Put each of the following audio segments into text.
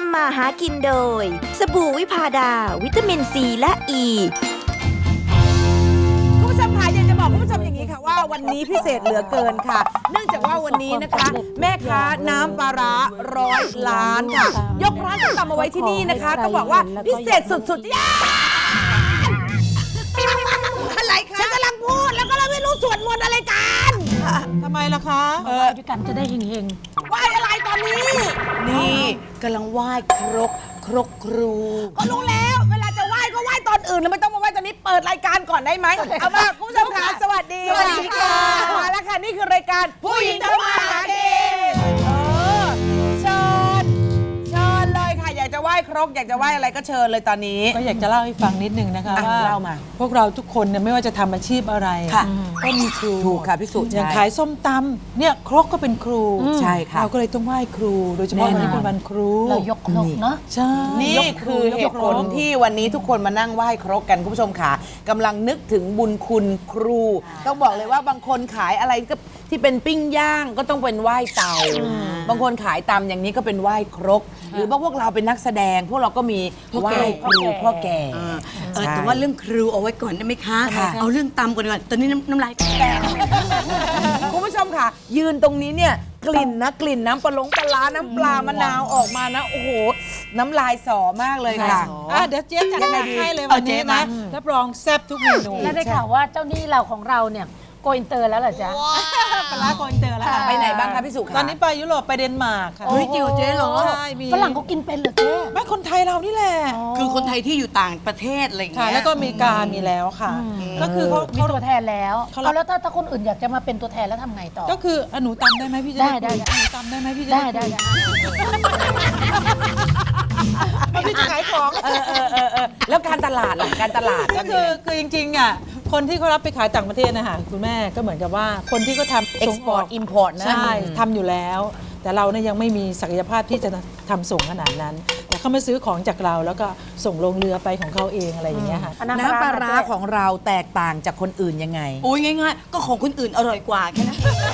ำมาหากินโดยสบู่วิพาดาวิตามินซีและอ e. คุณผู้ชมค่ะอยากจะบอกคุณผู้ชมอย่างนี้ค่ะว่าวันนี้พิเศษเหลือเกินค่ะ เนื่องจากว่าวันนี้นะคะแม่ค้าน้ำปลาร้า100 ล้านค่ะ ยกร้านส้มตำมาไว้ที่นี่นะคะต้องบอกว่าพิเศษสุดๆย่าอะไรคะฉันกำลังพูดแล้วก็เราไม่รู้สวดมนต์อะไรกันทำไมล่ะคะด้วยกันจะได้เฮงไหว้อะไรตอนนี้นี่กำลังไหว้ครกครูก็รู้แล้วเวลาจะไหว้ก็ไหว้ตอนอื่นแล้วไม่ต้องมาไหว้ตอนนี้เปิดรายการก่อนได้ไหมเอามาคุณผู้ชมค่ะสวัสดีค่ะมาแล้วค่ะนี่คือรายการผู้หญิงทำมาหากินเชิญเลยค่ะอยากจะไหว้ครกอยากจะไหว้อะไรก็เชิญเลยตอนนี้ก็อยากจะเล่าให้ฟังนิดนึงนะคะว่าเล่ามาพวกเราทุกคนเนี่ยไม่ว่าจะทำอาชีพอะไรก็มีครูถูกค่ะพี่สุอย่างขายส้มตำเนี่ยครกก็เป็นครูใช่ค่ะเราก็เลยต้องไหว้ครูโดยเฉพาะวันนี้เป็นวันครูเรายกครกเนาะใช่นี่คือเหตุผลที่วันนี้ทุกคนมานั่งไหว้ครกกันคุณผู้ชมค่ะกำลังนึกถึงบุญคุณครูต้องบอกเลยว่าบางคนขายอะไรก็ที่เป็นปิ้งย่างก็ต้องเป็นไหว้เตาบางคนขายตำอย่างนี้ก็เป็นไหว้ครกหรือพวกเราเป็นนักแสดงพวกเราก็มีไหว้ครูพ่อแก่แต่ว่าเรื่องครูเอาไว้ก่อนได้ไหมคะเอาเรื่องตำก่อนดีกว่าตอนนี้น้ำลายแตกคุณผู้ชมค่ะยืนตรงนี้เนี่ยกลิ่นน้ำปลาร้าน้ำปลามะนาวออกมานะโอ้โหน้ำลายสอมากเลยค่ะเดี๋ยวเจ๊จัดให้เลยวันนี้นะรับรองแซ่บทุกเมนูแล้วได้ข่าวว่าเจ้าหนี้เราของเราเนี่ยโกอินเตอร์แล้วเหรอจ๊ะปลาโกอินเตอร์แล้วไปไหนบ้างคะพี่สุตอนนี้ไปยุโรปไปเดนมาร์กค่ะเฮ้ยจริงเหรอเจ๊เหรอใช่มีฝรั่งเขากินเป็นเหรอเจ๊ไม่คนไทยเรานี่แหละคือคนไทยที่อยู่ต่างประเทศอะไรอย่างเงี้ยแล้วก็อเมริกามีแล้วค่ะก็คือเขามีตัวแทนแล้วเอาแล้วถ้าคนอื่นอยากจะมาเป็นตัวแทนแล้วทำไงต่อก็คือหนูตำได้ไหมพี่จะได้หนูตำได้ไหมพี่จะได้พี่จะขายของแล้วการตลาดล่ะการตลาดก็คือจริงๆอ่ะคนที่เขารับไปขายต่างประเทศนะคะคุณแม่ก็เหมือนกับว่าคนที่เขาทำ export import นะใช่ทำอยู่แล้วแต่เราเนี่ยยังไม่มีศักยภาพที่จะทำส่งขนาดนั้นแต่เขามาซื้อของจากเราแล้วก็ส่งลงเรือไปของเขาเองอะไรอย่างเงี้ยค่ะน้ำปลาร้าของเราแตกต่างจากคนอื่นยังไงโอ้ยง่ายๆก็ของคนอื่นอร่อยกว่าแค่นั้น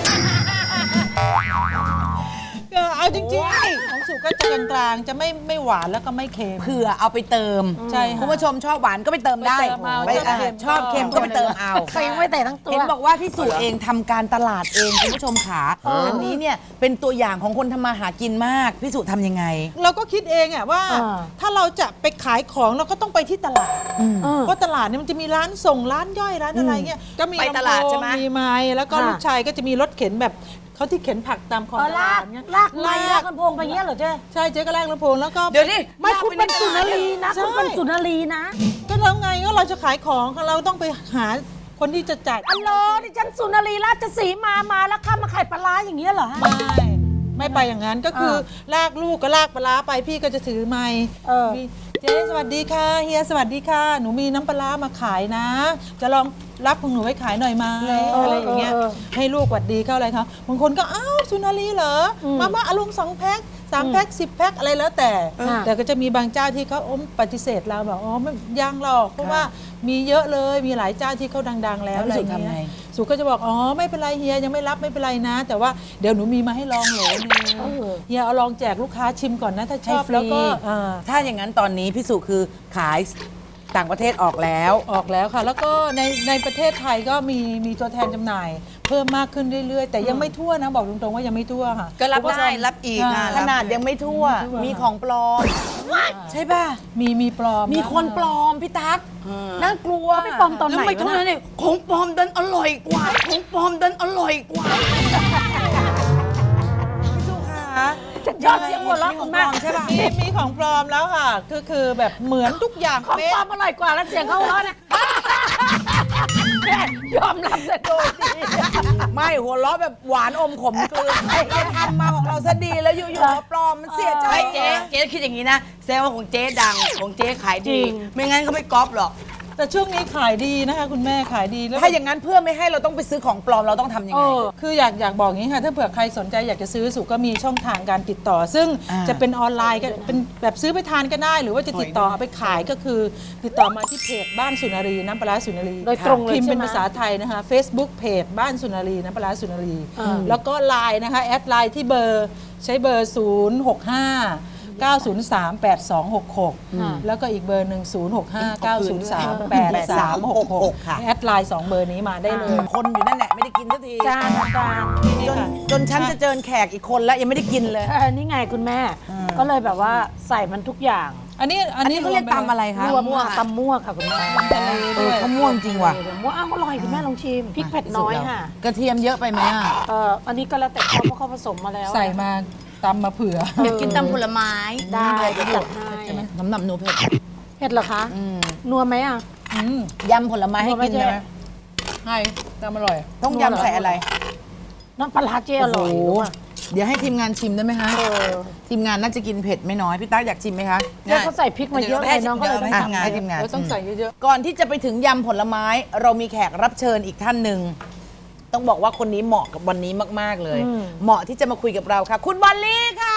เอาจริงๆของสุก็จะกลางๆจะไม่หวานแล้วก็ไม่เค็มเผื่อเอาไปเติมใช่คุณผู้ชมชอบหวานก็ไปเติมได้ชอบเค็มก็ไปเติมเอาใส่ยังไม่แต่ทั้งตัวเห็นบอกว่าพี่สุเองทำการตลาดเองคุณผู้ชมขาอันนี้เนี่ยเป็นตัวอย่างของคนทำมาหากินมากพี่สุทำยังไงเราก็คิดเองอะว่าถ้าเราจะไปขายของเราก็ต้องไปที่ตลาดเพราะตลาดเนี่ยมันจะมีร้านส่งร้านย่อยร้านอะไรเงี้ยก็มีไปตลาดใช่ไหมมีไม้แล้วก็ลูกชายก็จะมีรถเข็นแบบเขาที่เข็นผักตามคลองลากลำโพงไปเงี้ยเหรอเจ๊ใช่เจ๊ก็ลากลำโพงแล้วก็เดี๋ยวนี้ไม่คุณเป็นสุนารีนะคุณเป็นสุนารีนะก็แล้วไงก็เราจะขายของเราต้องไปหาคนที่จะจ่ายอัลโหลดิฉันสุนารีราชสีมาแล้วข้ามาขายปลาร้าอย่างเงี้ยเหรอไม่ไปอย่างนั้นก็คือลากลูกก็ลากปลาไปพี่ก็จะถือไมค์เจ๊สวัสดีค่ะเฮียสวัสดีค่ะหนูมีน้ำปลามาขายนะจะลองรับของหนูไว้ขายหน่อยไหมอะไรอย่างเงี้ยให้ลูกหวัดดีเข้าอะไรเขาบางคนก็อ้าวสุนารีเหรอมาอารมณ์2 แพ็ค3 แพ็ค10 แพ็คอะไรแล้วแต่ก็จะมีบางเจ้าที่เขาปฏิเสธเราแบบอ๋อไม่ยังหรอกเพราะว่ามีเยอะเลยมีหลายเจ้าที่เขาดังๆแล้วอะไรอย่างเงี้ยสุก็จะบอกอ๋อไม่เป็นไรเฮียยังไม่รับไม่เป็นไรนะแต่ว่าเดี๋ยวหนูมีมาให้ลองโหลนึงเฮียเอาลองแจกลูกค้าชิมก่อนนะถ้าชอบแล้วก็ถ้าอย่างนั้นตอนนี้พี่สุคือขายต่างประเทศออกแล้วค่ะแล้วก็ในประเทศไทยก็มีตัวแทนจำหน่ายเพิ่มมากขึ้นเรื่อยๆแต่ยังไม่ทั่วนะบอกตรงๆว่ายังไม่ทั่วค่ะก็รับได้รับอีกขนาดยังไม่ทั่วมีของปลอมใช่ป่ะมีปลอมมีคนปลอมพี่ตั๊กน่ากลัวไม่ปลอมตอนไหนแล้วไม่เท่านั้นเนี่ยของปลอมดันอร่อยกว่าของปลอมดันอร่อยกว่าพี่สุค่ะชอบเสียงหัวเราะของแม่ใช่ป่ะมีของปลอมแล้วค่ะคือแบบเหมือนทุกอย่างของปลอมอร่อยกว่าแล้วเสียงเขาหัวเราะเนี่ยยอมรับแต่โดยดีไม่หัวเราะแบบหวานอมขมกลืนเราทำมาของเราซะดีแล้วอยู่ๆปลอมมันเสียใจเจ๊คิดอย่างนี้นะแสดงว่าของเจ๊ดังของเจ๊ขายดีไม่งั้นก็ไม่ก๊อปหรอกแต่ช่วงนี้ขายดีนะคะคุณแม่ขายดีแล้วถ้าอย่างนั้นเพื่อไม่ให้เราต้องไปซื้อของปลอมเราต้องทำยังไงคืออยากบอกอย่างนี้ค่ะถ้าเผื่อใครสนใจอยากจะซื้อสุก็มีช่องทางการติดต่อซึ่งจะเป็นออนไลน์ก็เป็นแบบซื้อไปทานก็ได้หรือว่าจะติดต่อเอาไปขายก็คือติดต่อมาที่เพจบ้านสุนารีน้ำปลาสุนารีโดยตรงเลยพิมพ์เป็นภาษาไทยนะคะ Facebook เพจบ้านสุนารีน้ำปลาสุนารีแล้วก็ไลน์นะคะแอดไลน์ที่เบอร์ใช้เบอร์065 9038266 แล้วก็อีกเบอร์หนึ่ง065 903 8366 แอดไลน์2เบอร์นี้มาได้เลยคนอยู่นั่นแหละไม่ได้กินสักทีจานจนฉันจะเจอแขกอีกคนแล้วยังไม่ได้กินเลยนี่ไงคุณแม่ ก็เลยแบบว่าใส่มันทุกอย่างอันนี้เขาเรียกตำอะไรคะรวมค่ะตำมั่วค่ะคุณแม่เขาม่วงจริงว่ะมั่วอ้าวอร่อยคุณแม่ลองชิมพริกเผ็ดน้อยค่ะกระเทียมเยอะไปไหมอ่ะอันนี้ก็แล้วแต่เขาเพราะเขาผสมมาแล้วใส่มาตำมาเผื่อเดี๋ยวกินตำผลไม้ได้เดี๋ยวจัดให้น้ำหนักหนูเผ็ดเผ็ดเหรอคะนัวไหมอ่ะยำผลไม้ให้กินเลยไหมให้ตำอร่อยต้องยำใส่อะไรน้ำปลาร้าเจอร่อยโอ้โหด้วยเดี๋ยวให้ทีมงานชิมได้ไหมคะ ทีมงานน่าจะกินเผ็ดไม่น้อย พี่ตั๊กอยากชิมไหมคะแล้วเขาใส่พริกมาเยอะเลยน้องก็เลยให้ทีมงานให้ทีมงานแล้วต้องใส่เยอะก่อนที่จะไปถึงยำผลไม้ เรามีแขกรับเชิญอีกท่านหนึ่ง ต้องบอกว่าคนนี้เหมาะกับวันนี้มาก ๆ เลย เหมาะที่จะมาคุยกับเราค่ะ คุณบอลลี่ค่ะ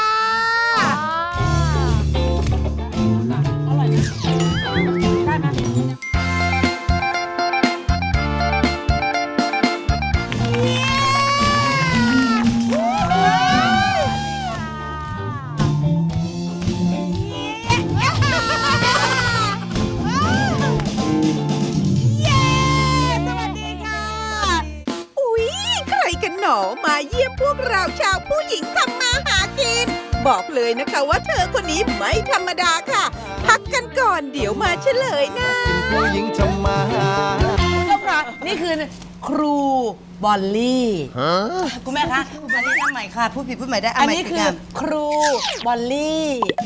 อุ๊ย ใครกันหนอมาเยี่ยมพวกเราชาวผู้หญิงทำมาหากิน บอกเลยนะคะว่าเธอคนนี้ไม่ธรรมดาค่ะ พักกันก่อนเดี๋ยวมาเฉลยนะผู้หญิงทำมาหาคุณผู้ชมค่ะนี่คือครูบอลลี่คุณแม่คะอันนี้ทำใหม่ค่ะ พูดผิดพูดใหม่ได้อันนี้คือครูบอลลี่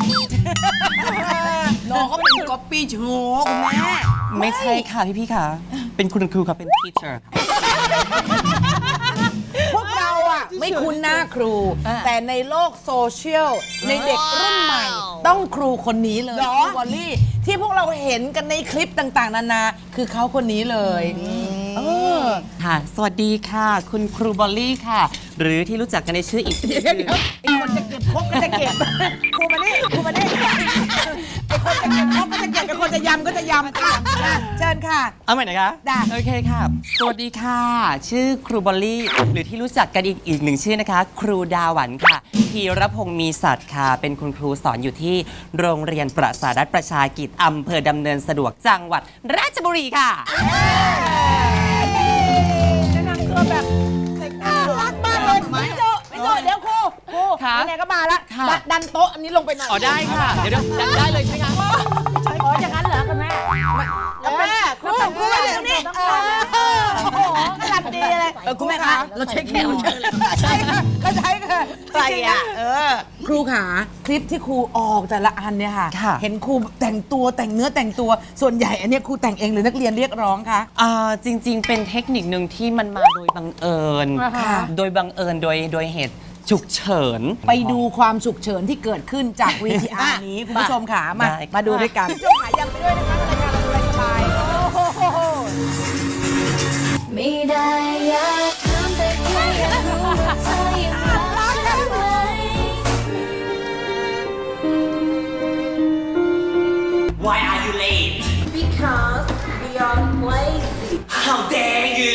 น้องเขาเป็นก๊อปปี้โชว์คุณแม่ไม่ใช่ค่ะพี่ค่ะ เป็นคุณครูค่ะเป็น teacher พวกเราอะไม่คุ้นหน้าครู แต่ในโลกโซเชียลในเด็กรุ่นใหม่ ต้องครูคนนี้เลยครูบอลลี่ ที่พวกเราเห็นกันในคลิปต่างๆ นานา คือเขาคนนี้เลยเออค่ะ สวัสดีค่ะ คุณครูบอลลี่ค่ะ หรือที่รู้จักกันในชื่ออีกชื่อไอ้คนจะเก็บครกก็จะเก็บ ครูมานี่ครูมานี่ไอ้คนจะเก็บครกก็จะเก็บไอ้คนจะยำก็จะยำเชิญค่ะเอาใหม่นะคะได้โอเคค่ะ สวัสดีค่ะ ชื่อครูบอลลี่ หรือที่รู้จักกันอีกหนึ่งชื่อนะคะ ครูดาหวันค่ะธีรพงศ์มีสัตว์ค่ะ เป็นคุณครูสอนอยู่ที่โรงเรียนประสาทรัฐประชากิจอำเภอดำเนินสะดวกจังหวัดราชบุรีค่ะแนะนำตัวแบบน่ารักมากเลยไม่โจเดี๋ยวครูค่ะไหนๆก็มาแล้วค่ะดันโต๊ะอันนี้ลงไปหน่อยอ๋อได้ค่ะ เดี๋ยวได้เลยใช่ไหมคะอ๋ออย่างนั้นเหรอคุณแม่ครูมาเดี๋ยวนี้โอ้โหกำลังดีเลยคุณแม่คะเราใช้แขกรับเชิญเลยใช่ค่ะก็ใช่ค่ะใช่อ่ะครูขาคลิปที่ครูออกแต่ละอันเนี่ยค่ะค่ะเห็นครูแต่งตัวแต่งเนื้อแต่งตัวส่วนใหญ่อันเนี้ยครูแต่งเองหรือนักเรียนเรียกร้องคะจริงๆ เป็นเทคนิคหนึ่งที่มันมาโดยบังเอิญค่ะโดยบังเอิญโดยเหตุฉุกเฉินไปดูความฉุกเฉินที่เกิดขึ้นจาก VTR นี้คุณผู้ชมค่ะมาได้ค่ะมาดูด้วยกันคุณผู้ชมขายังไปด้วยนะคะรายการเราสบายๆโอ้โหไม่ได้อยากถามแต่แค่อยากรู้ว่าเธอยังรักฉันไหม Why are you late? Because you're lazy. How dare you?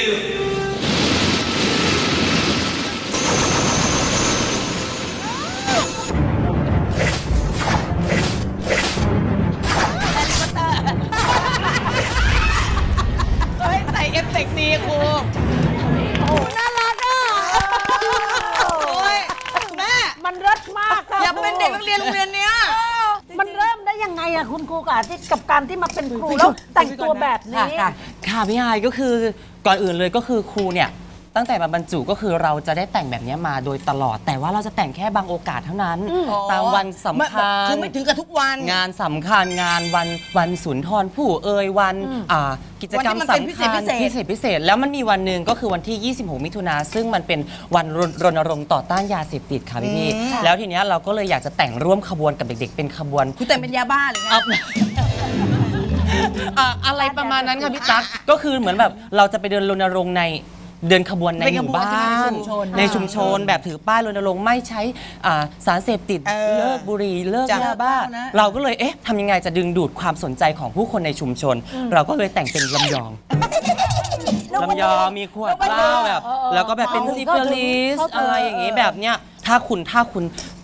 เฮ้ยใส่เอฟเฟกต์ดีครูน่ารักอ่ะโอ้ยแม่มันเลิศมากค่ะอย่าเป็นเด็กนักเรียนโรงเรียนเนี้ยมันเริ่มได้ยังไงอะคุณครูกับการที่มาเป็นครูแล้วแต่งตัวแบบนี้ค่ะพี่ไฮายก็คือก่อนอื่นเลยก็คือครูเนี่ยตั้งแต่มาบรรจุก็คือเราจะได้แต่งแบบนี้มาโดยตลอด แต่ว่าเราจะแต่งแค่บางโอกาสเท่านั้น ตามวันสำคัญคือไม่ถึงกับทุกวันงานสำคัญงานวันสุนทรภู่เอ่ยวันกิจกรรมวันที่มันเป็นสำคัญ พิเศษแล้วมันมีวันหนึ่งก็คือวันที่ 26 มิถุนาซึ่งมันเป็นวันรณรงค์ต่อต้านยาเสพติดค่ะพี่ๆแล้วทีเนี้ยเราก็เลยอยากจะแต่งร่วมขบวนกับเด็กๆ เป็นขบวนคุณแต่งเป็นยาบ้าเลยไงอะไรประมาณนั้นค่ะพี่ตั๊กก็คือเหมือนแบบเราจะไปเดินรณรงค์เดินขบวนในหมู่บ้านในชุมชนแบบถือป้ายรณรงค์ไม่ใช้สารเสพติดเลิกบุหรี่เลิกยาบ้าเราก็เลยทำยังไงจะดึงดูดความสนใจของผู้คนในชุมชน เราก็เลยแต่งเป็นลำยองมีขวดเหล้าแบบแล้วก็แบบเป็นซิฟิลิสอะไรอย่างงี้แบบเนี้ยถ้าคุณ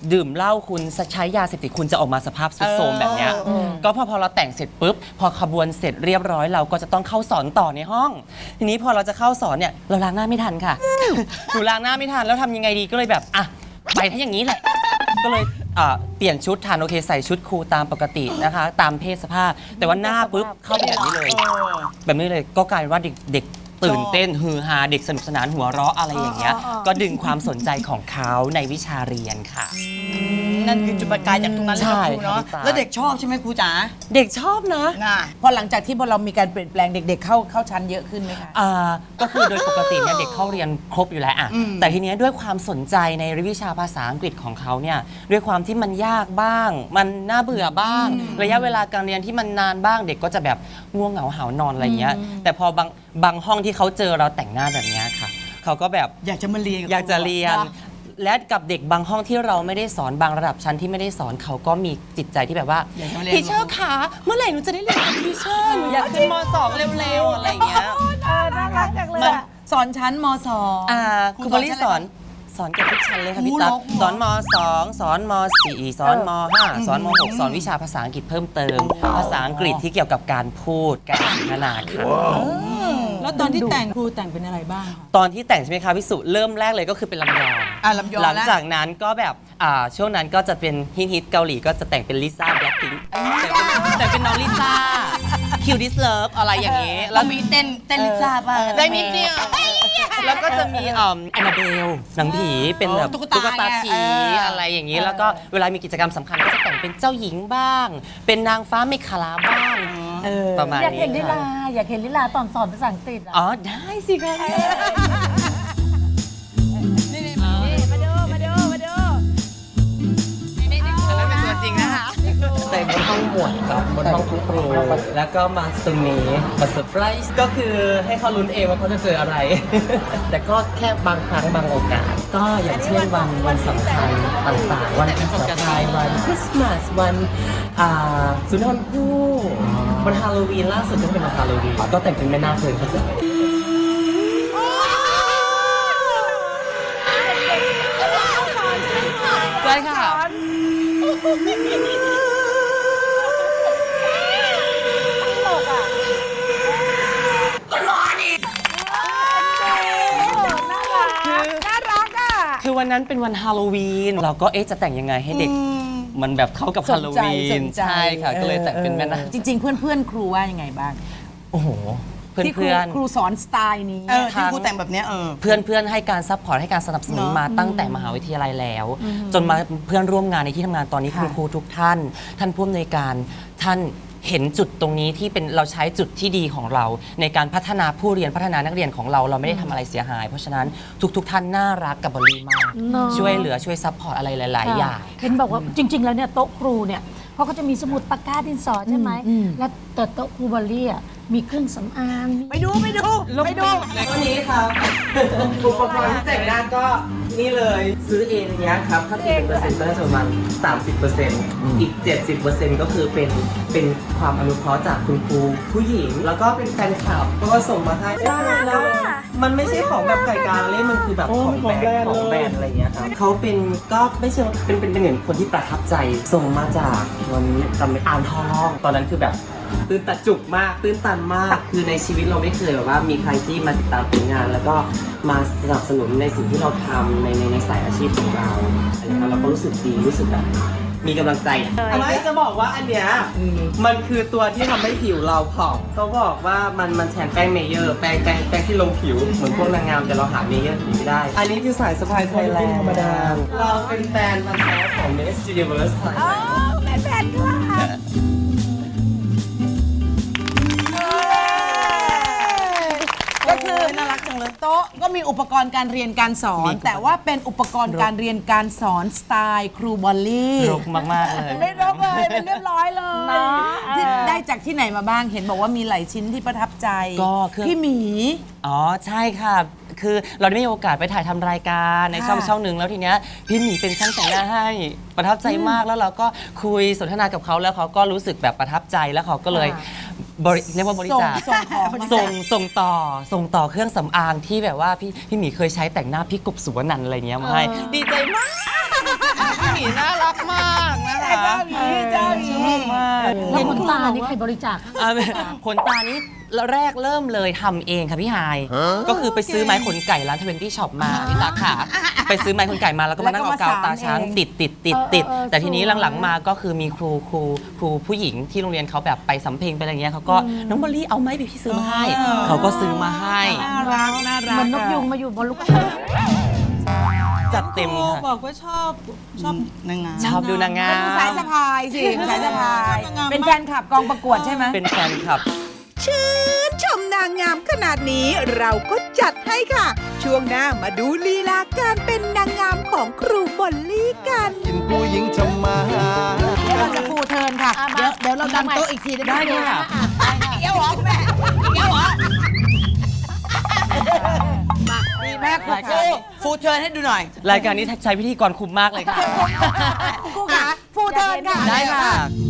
ดื่มเหล้าคุณใช้ยาเสพติดคุณจะออกมาสภาพทรุดโทรมแบบเนี้ยก็พอเราแต่งเสร็จปุ๊บพอขบวนเสร็จเรียบร้อยเราก็จะต้องเข้าสอนต่อในห้อง ทีนี้พอเราจะเข้าสอนเนี่ยเราล้างหน้าไม่ทันค่ะหนูล้างหน้าไม่ทันแล้วทำยังไงดีก็เลยแบบอ่ะไปถ้าอย่างนี้แหละก็เลยเปลี่ยนชุดทันโอเคใส่ชุดครูตามปกตินะคะ ตามเพศสภาพ แต่ว่าหน้าปุ๊บเข้าไปแบบนี้เลยแบบนี้เลยก็กลายเป็นว่าเด็กตื่นเต้นฮือฮาเด็กสนุกสนานหัวเราะอะไรอย่างเงี้ยก็ดึงความสนใจของเขาในวิชาเรียนค่ะนั่นคือจุดประกายจากตรงนั้นเลยใช่ครูเนาะครับแล้วเด็กชอบใช่ไหมครูจ๋าเด็กชอบนะน่ะพอหลังจากที่พอเรามีการเปลี่ยนแปลงเด็กๆเข้าชั้นเยอะขึ้นไหมคะก็คือโดยปกติเนี่ยเด็กเข้าเรียนครบอยู่แล้วอะแต่ทีเนี้ยด้วยความสนใจในวิชาภาษาอังกฤษของเขาเนี่ยด้วยความที่มันยากบ้าง มันน่าเบื่อบ้าง ระยะเวลาการเรียนที่มันนานบ้าง เด็กก็จะแบบง่วงเหงาหาวนอนอะไรเงี้ยแต่พอบางห้องที่เขาเจอเราแต่งหน้าแบบเนี้ยค่ะเขาก็แบบอยากจะมาเรียนบอยากจะเรียนครูและกับเด็กบางห้องที่เราไม่ได้สอนบางระดับชั้นที่ไม่ได้สอนเขาก็มีจิตใจที่แบบว่าอยากจะมาเรียนทีเชอร์คะเมื่อไหร่หนูจะได้เรียนกับทีเชอร์หนูอยากขึ้นม .2 เร็วๆอะไรอย่างเงี้ยน่ารักจังเลยมันอะสอนชั้นมสองครูบริสอนเกับทุกชั้นเลยค่ะพี่ตั๊กโอ้โหสอนม .2 สอนม .4 สอนม .5 สอนม .6 สอนวิชาภาษาอังกฤษเพิ่มเติม ภาษาอังกฤษที่เกี่ยวกับการพูดการสนทนาค่ะแล้วตอนที่แต่งครูแต่งเป็นอะไรบ้างคะตอนที่แต่งใช่ไหมคะพี่สุเริ่มแรกเลยก็คือเป็นลำยองลำยองหลังแล้วจากนั้นก็แบบช่วงนั้นก็จะเป็นฮิตเกาหลีก็จะแต่งเป็นลิซ่าแบล็คพิงค์แต่เป็นน้องลิซ่าคิวดิสเลิฟอะไรอย่างเงี้ยแล้วมีเต้นลิซ่าป่ะได้นิดเดียวแล้วก็จะมีแอนนาเบลหนังผีเป็นแบบตุ๊ตุ๊กกตาตาผีเนี่ยอะไรอย่างงี้แล้วก็เวลามีกิจกรรมสำคัญก็จะแต่งเป็นเจ้าหญิงบ้าง เป็นนางฟ้าเมฆลาบ้างประมาณอยากเห็นลินี้ลาค่ะอยากเห็นลิลาตอนสอนภาษาอังกฤษอะอ๋อได้สิคะ แต่บนห้องหมวดกับบนห้องคุณครู แล้วก็มาตรงนี้มาเซอร์ไพรส์ก็คือให้เขาลุ้นเองว่าเขาจะเจออะไร แต่ก็แค่บางครั้งบางโอกาส ก็อย่างเช่นวันสำคัญต่างๆ วันปีใหม่วันคริสต์มาสวันสุนทรภู่วันฮาโลวีนล่าสุดก็เป็นวันฮาโลวีนก็แต่งเป็นแม่นาคเลยครับใช่ค่ะ คือวันนั้นเป็นวันฮาโลวีนเราก็จะแต่งยังไงให้เด็กมันแบบเข้ากับฮาโลวีนใช่ค่ะก็เลยแต่งเป็นแม่นาคจริง ๆ เพื่อนๆ ครูว่ายังไงบ้างโอ้โหเพื่อนที่เพื่อนครูสอนสไตล์นี้ที่ครูแต่งแบบเนี้ยเพื่อนให้การซัพพอร์ตให้การสนับสนุนมาตั้งแต่มหาวิทยาลัยแล้ว จนมาเพื่อนร่วมงานในที่ทำงานตอนนี้คุณครูทุกท่าน ท่านผู้อำนวยการท่านเห็นจุดตรงนี้ที่เป็นเราใช้จุดที่ดีของเรา ในการพัฒนาผู้เรียนพัฒนานักเรียนของเราเราไม่ได้ทำอะไรเสียหาย เพราะฉะนั้นทุกท่านน่ารักกับบอลลี่มากเนอะช่วยเหลือช่วยซัพพอร์ตอะไรหลาย ๆ อย่างเห็นบอกว่าจริง ๆ แล้วเนี่ยโต๊ะครูเนี่ยเขาก็จะมีสมุดปากกาดินสอใช่ไหมแล้วแต่โต๊ะครูบอลลี่อะมีเครื่องสำอางไปดูวันนี้ครับอุปกรณ์ที่แต่งหน้าก็นี่เลยซื้อเองเนี้ยครับถ้าตีเป็นเปอร์เซ็นต์ก็จะประมาณ 30%อีก 70%ก็คือเป็นความอนุเคราะห์จากคุณครูผู้หญิง แล้วก็เป็นแฟนคลับก็ส่งมาให้แล้วมันไม่ใช่ของแบบไก่กาเล่มันคือแบบของแบรนด์อะไรเงี้ยครับเขาเป็นก็ไม่ใช่เป็นเหมือนคนที่ประทับใจส่งมาจากวันจำไม่อ่างทองตอนนั้นคือแบบตื่นตันจุกมากตื่นตันมาก คือในชีวิตเราไม่เคยแบบว่ามีใครที่มาติดตามผลงาน แล้วก็มาสนับสนุนในสิ่งที่เราทำในสายอาชีพของเราอะไรเงี้ยเราก็รู้สึกดีรู้สึกแบบมีกำลังใจไม่จะบอกว่าอันเนี้ยมันคือตัวที่ทำให้ผิวเราผ่องเขาบอกว่ามันแทนแป้งเมเยอร์แป้งที่ลงผิวเหมือนพวกนางงามแต่เราหาเมเยอร์ไม่ได้ อันนี้คือสายสะพายไทยแลนด์ธรรมดาเราเป็นแฟนพันธุ์แท้ของ Miss Universe Thailand ก็คือน่ารักจังเลยโต๊ะก็มีอุปกรณ์การเรียนการสอน แต่ว่าเป็นอุปกรณ์การเรียนการสอนสไตล์ครูบอลลี่รกมากๆเลยไม่รกเลยเป็นเรียบร้อยเลยที่ได้จากที่ไหนมาบ้างเห็นบอกว่ามีหลายชิ้นที่ประทับใจก็คือพี่หมีอ๋อใช่ค่ะ คือเราได้มีโอกาสไปถ่ายทำรายการในช่องหนึ่งแล้วทีเนี้ยพี่หมีเป็นช่างแต่งหน้าให้ประทับใจมากแล้วเราก็คุยสนทนากับเขาแล้วเขาก็รู้สึกแบบประทับใจแล้วเขาก็เลยเรียกว่าบริจาคส่งของมาส่งต่อเครื่องสำอางที่แบบว่าพี่หมีเคยใช้แต่งหน้าพี่กบสุวรรณันท์อะไรเงี้ยมาให้ดีใจมากหมีน่ารักมากนะคะเจ้าหมีเจ้าหมีชอบมากแล้วขนตานี่ใครบริจาคขนตานี้แรกเริ่มเลยทำเองค่ะพี่ไฮายก็คือไปซื้อไม้ขนไก่ร้าน20 ช็อปมาพี่ตาขาไปซื้อไม้ขนไก่มาแล้วก็มานั่งเอากาวตาช้างติดแต่ทีนี้หลังๆมาก็คือมีครูผู้หญิงที่โรงเรียนเขาแบบไปสำเพ็งไปอะไรเงี้ยเขาก็น้องบอลลี่เอาไม้ไปพี่ซื้อมาให้เขาก็ซื้อมาให้น่ารักน่ารักเหมือนนกยุงมาอยู่บนลูกจัดเต็มครูค่ะบอกว่าชอบนางงามชอบดูนางงามสายสะพายสิสายสะพาย เป็นแฟนคลับกองประกวดใช่ไหมเป็นแฟนคลับชื่นชมนางงามขนาดนี้เราก็จัดให้ค่ะ ช่วงหน้ามาดูลีลาการเป็นนางงามของครูบอลลี่กันกินผู้หญิงทำมาหาเดี๋ยวเราจะฟูเทิร์นค่ะ เดี๋ยวเราดันโต๊ะอีกทีได้ไหมคะเดี๋ยวเหรอคุณแม่เดี๋ยวเหรอดีมากค่ะฟูเทิร์นให้ดูหน่อยรายการนี้ใช้พิธีกรคุมมากเลยค่ะครูขาฟูเทิร์นค่ะได้ค่ะ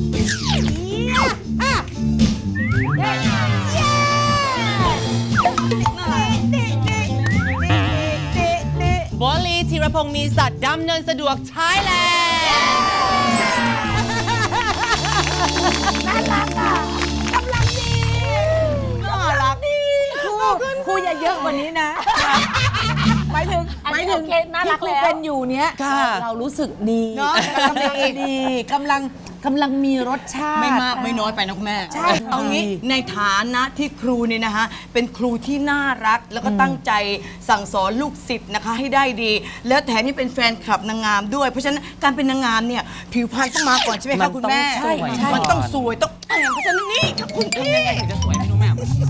บอลลีธีรพงศ์มีสัตว์ดำเนินสะดวกใช้แล้วครูอย่าเยอะกว่านี้นะหมายถึงอันนี้โอเคน่ารักที่ครูแล้วเป็นอยู่เนี้ยค่ะเรารู้สึกดีเนอะกำลังดีกำลังมีรสชาติไม่มากไม่น้อยไปนะคุณแม่ใช่เอางี้ในฐานะที่ครูเนี่ยนะคะเป็นครูที่น่ารักแล้วก็ตั้งใจสั่งสอนลูกศิษย์นะคะให้ได้ดี แล้วแถมยังเป็นแฟนคลับนางงามด้วย เพราะฉะนั้นการเป็นนางงามเนี่ยผิวพรรณต้องมาก่อนใช่ไหมมัคะนคุณแม่ต้องสวยมันต้องสวยต้องแต่งเพราะฉะนั้นนี่ค่ะคุณพี่ถึงจะสวยไม่รู้แม่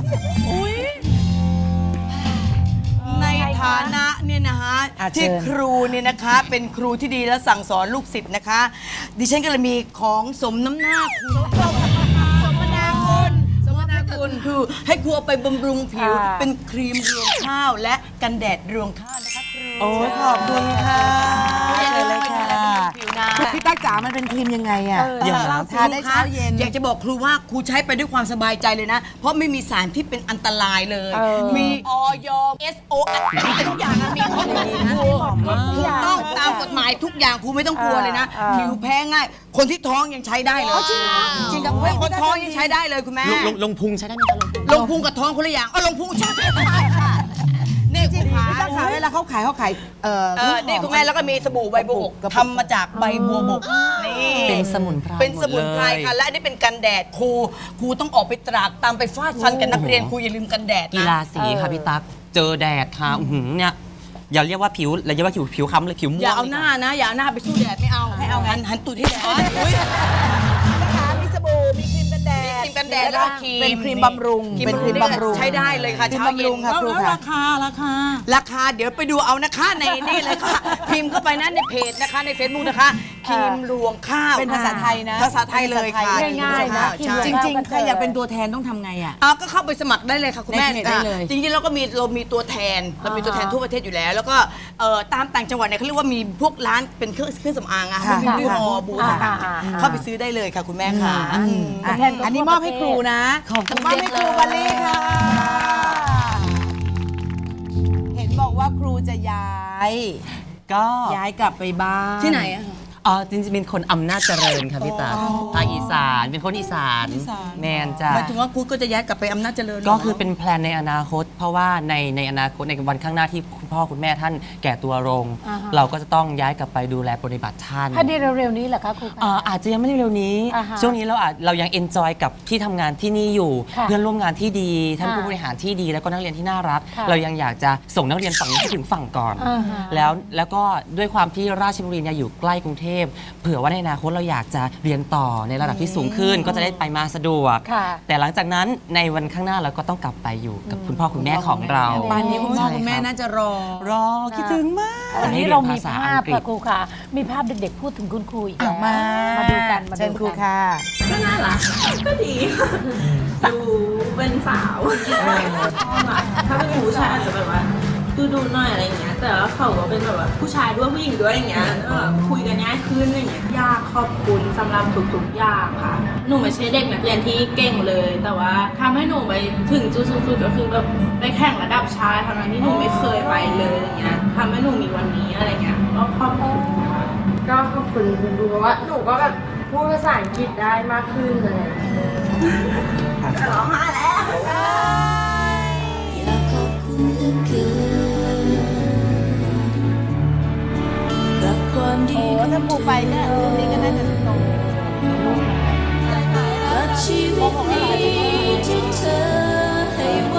ในฐานะเนี่ยนะคะอ่ะเชิญที่ครูเนี่ยนะคะเป็นครูที่ดีและสั่งสอนลูกศิษย์นะคะ ดิฉันก็เลยมีของสมน้ำหน้าครูสมนาคุณคือให้ครูเอาไปบำรุงผิว เป็นครีมรวงข้าวและกันแดดรวงข้าวนะคะครูโอ้ขอบคุณค่ะเลยค่ะผิวนะพี่ตั๊กจ๋ามันเป็นครีมยังไงอ่ะอย่างทานได้เช้าเย็นอยากจะบอกครูว่าครูใช้ไปด้วยความสบายใจเลยนะ เพราะไม่มีสารที่เป็นอันตรายเลย มีออย SO ทุกอย่างอะมีครบเลยนะถูกต้องตามกฎหมายทุกอย่างครูไม่ต้องกลัวเลยนะ ผิวแพ้ง่าย คนที่ท้องยังใช้ได้เลยจริงกับคนท้องยังใช้ได้เลยคุณแม่ลงพุงใช้ได้ไหมคะลงพุงกับท้องคนละอย่างลงพุงใช่ค่ะนี่คุณขาพี่ตั๊กขาเวลาเขาขายนี่คุณแม่แล้วก็มีสบู่ใบบัวบกทำมาจากใบบัวบกนี่เป็นสมุนไพรเป็นสมุนไพรหมดเลยค่ะ และอันนี้เป็นกันแดดครูต้องออกไปตรากตามไปฟาดฟันกับนักเรียนครูอย่าลืมกันแดดกีนะฬาสีค่ะพี่ตั๊กเจอแดดค่ะอื้อหือเนี่ยอย่าเรียกว่าผิวอย่าเรียกว่าผิวค้ำเลยผิวม่วงอย่าเอาหน้านะ อย่าเอาหน้าไปสู้แดดไม่เอาให้เอาหันตูดให้แดดอุ๊ยมีสบู่มีครีมกันแดดครีมกันแดดแล้วก็ครีมเป็นครีมบำรุงเป็นครีมบำรุงใช้ได้เลยค่ะครีมเช้าบำเย็รุนงค่ะครูแล้วค่ะราคาเดี๋ยวไปดูเอานะคะในนี่เลยค่ะ พิมพ์เข้าไปนะในเพจนะคะใน Facebook นะคะครีมรวงข้าวเป็นภาษาไทยนะภาษาไทยเลยค่ะง่ายๆนะใช่จริงๆใครอยากเป็นตัวแทนต้องทำไงอ่ะก็เข้าไปสมัครได้เลยค่ะคุณแม่ในเพจได้เลยจริงๆเรามีตัวแทนเรามีตัวแทนทั่วประเทศอยู่แล้ว แล้วก็ตามต่างจังหวัดเนี่ยเขาเรียกว่ามีพวกร้านเป็นเครื่องสำอางอะค่ะมีบูธบูธเข้าไปซื้อได้เลยค่ะคุณแม่ค่ะอันนี้มอบให้ครูนะขอบคุณมอบให้ครูบัลลี่ค่ะ เห็นบอกว่าครูจะย้ายก็ย้ายกลับไปบ้านที่ไหนอะจริงๆเป็นคนอำนาจเจริญค่ะพี่ตั๊กภาคอีสานเป็นคนอีสานแมนจ้ะหมายถึงว่ากูก็จะย้ายกลับไปอำนาจเจริญหรก็คือเป็นแพลนในอนาคต เพราะว่าในอนาคตในวันข้างหน้าที่คุณพ่อคุณแม่ท่านแก่ตัวลง เราก็จะต้องย้ายกลับไปดูแลปฏิบัติท่านภายในเร็วๆนี้เหรอคะครูคะอาจจะยังไม่ได้เร็วนี้อ่าฮะช่วงนี้เรายังเอนจอยกับที่ทำงานที่นี่อยู่ค่ะเพื่อนร่วมงานที่ดี ท่านอ่าผู้บริหารที่ดี แล้วก็นักเรียนที่น่ารักค่ะเรายังอยากจะส่งนักเรียนฝั่งนี้ให้ถึงฝั่งก่อนอ่าฮะแล้วก็ด้วยความที่ราชบุรีเนี่ยอยู่ใกล้กรุงเทพเผื่อว่าในอนาคตเราอยากจะเรียนต่อในระดับที่สูงขึ้น ก็จะได้ไปมาสะดวกค่ะแต่หลังจากนั้นในวันข้างหน้าเราก็ต้องกลับไปอยู่กับคุณพ่อคุณแม่ของเราบ้านนี้คุณพ่อคุณแม่ใช่น่าจะรอรอคิดถึงมากวันนี้ให้ยเรามีภษภาพอังกฤษค่ะครูค่ะ มีภาพเด็กๆพูดถึงคุณครูอีกแล้วมาดูกันมาเชิญดูครูกันค่ะก็น่ารักก็ดีดูเป็นสาวถ้าเป็นผู้ชายอาจจะแบบว่าดูหน่อยอะไรอย่างเงี้ย แต่ว่าเขาก็เป็นแบบว่าผู้ชายด้วยผู้หญิงด้วยอย่างเงี้ยแล้วแบบคุยกันง่ายขึ้นอะไรอย่างเงี้ยยากขอบคุณสำหรับทุกๆอย่างค่ะ หนูไม่ใช่เด็กนักเรียนที่เก่งเลย แต่ว่าทำให้หนูไปถึงจุดสูงสุดก็คือแบบไปแข่งระดับชายทั้งนั้นที่หนูไม่เคยไปเลยอย่างเงี้ยทำให้หนูมีวันนี้อะไรเงี้ยก็ขอบคุณค่ะก็ขอบคุณคุณครูเพราะว่าหนูก็แบบพูดภาษาอังกฤษได้มากขึ้นเลย ร้องไห้แล้วอยากขอบคุณเหลือเกินกับความดีโอ้ถ้าปูไปเนี่ยตรงนี้ก็น่าจะตรงกับชีวิตนี้ที่เธอให้ไว้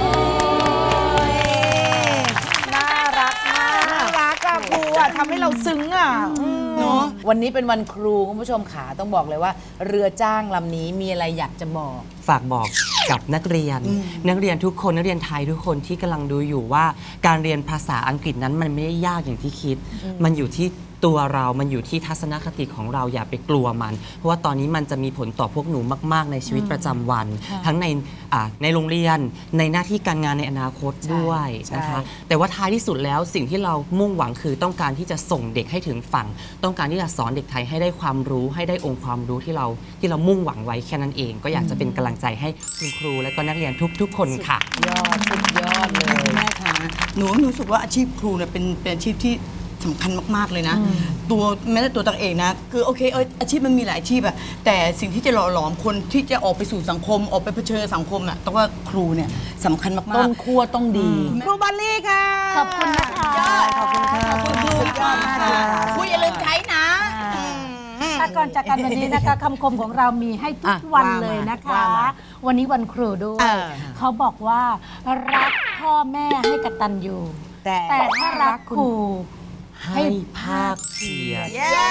น่ารักมากน่ารักอะครูอะทำให้เราซึ้งอะเนาะวันนี้เป็นวันครูคุณผู้ชมขาต้องบอกเลยว่า เรือจ้างลำนี้มีอะไรอยากจะบอกฝากบอกกับนักเรียน นักเรียนทุกคนนักเรียนไทยทุกคนที่กำลังดูอยู่ว่าการเรียนภาษาอังกฤษนั้นมันไม่ได้ยากอย่างที่คิด มันอยู่ที่ตัวเรามันอยู่ที่ทัศนคติของเราอย่าไปกลัวมัน เพราะว่าตอนนี้มันจะมีผลต่อพวกหนูมากๆในชีวิตประจำวัน ทั้งในโรงเรียนในหน้าที่การงานในอนาคตด้วยนะคะแต่ว่าท้ายที่สุดแล้วสิ่งที่เรามุ่งหวังคือต้องการที่จะส่งเด็กให้ถึงฝั่ง ต้องการที่จะสอนเด็กไทยให้ได้ความรู้ให้ได้องค์ความรู้ที่เรามุ่งหวังไว้แค่นั้นเองก็อยากจะเป็นกำลังใจให้คุณครูและก็นักเรียนทุกๆคนค่ะยอดสุดยอดเลยแม่คะหนูรู้สึกว่าอาชีพครูเนี่ยเป็นอาชีพที่สำคัญมากๆเลยนะตัวแม้แต่ตัวตักเองนะคือโอเคอาชีพมันมีหลายอาชีพอะแต่สิ่งที่จะหล่อหลอมคนที่จะออกไปสู่สังคมออกไปเผชิญสังคมอะต้องว่าครูเนี่ยสำคัญมากๆต้นขั้วต้องดี ครูบัลลี่ค่ะขอบคุณนะคะขอบคุณค่ะขอบคุณครูยอดมากเลยครูอย่าลืมใช้นะแต่ก่อนจากกันวันนี้นะคะคำคมของเรามีให้ทุกวันเลยนะคะ วันนี้วันครูด้วย เขาบอกว่ารักพ่อแม่ให้กตัญญูแต่ถ้ารักครูให้ภาคเพียร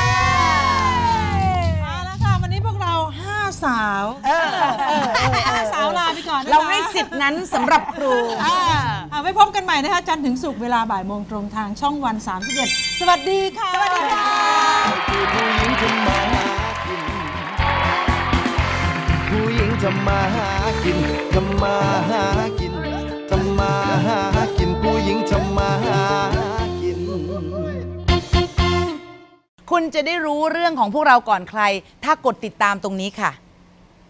มาแล้วค่ะ วันนี้พวกเรา 5 สาว5 สาวลาไปก่อนนะคะเราให้สิทธิ์นั้นสำหรับครูไว้พบกันใหม่นะคะ จันทร์ถึงศุกร์เวลาบ่ายโมงตรงทางช่องวัน 31 สวัสดีค่ะ สวัสดีค่ะผู้หญิงทำมาหากินทำมาหากินทำมาหากินผู้หญิงทำมาหากินคุณจะได้รู้เรื่องของพวกเราก่อนใคร ถ้ากดติดตามตรงนี้ค่ะ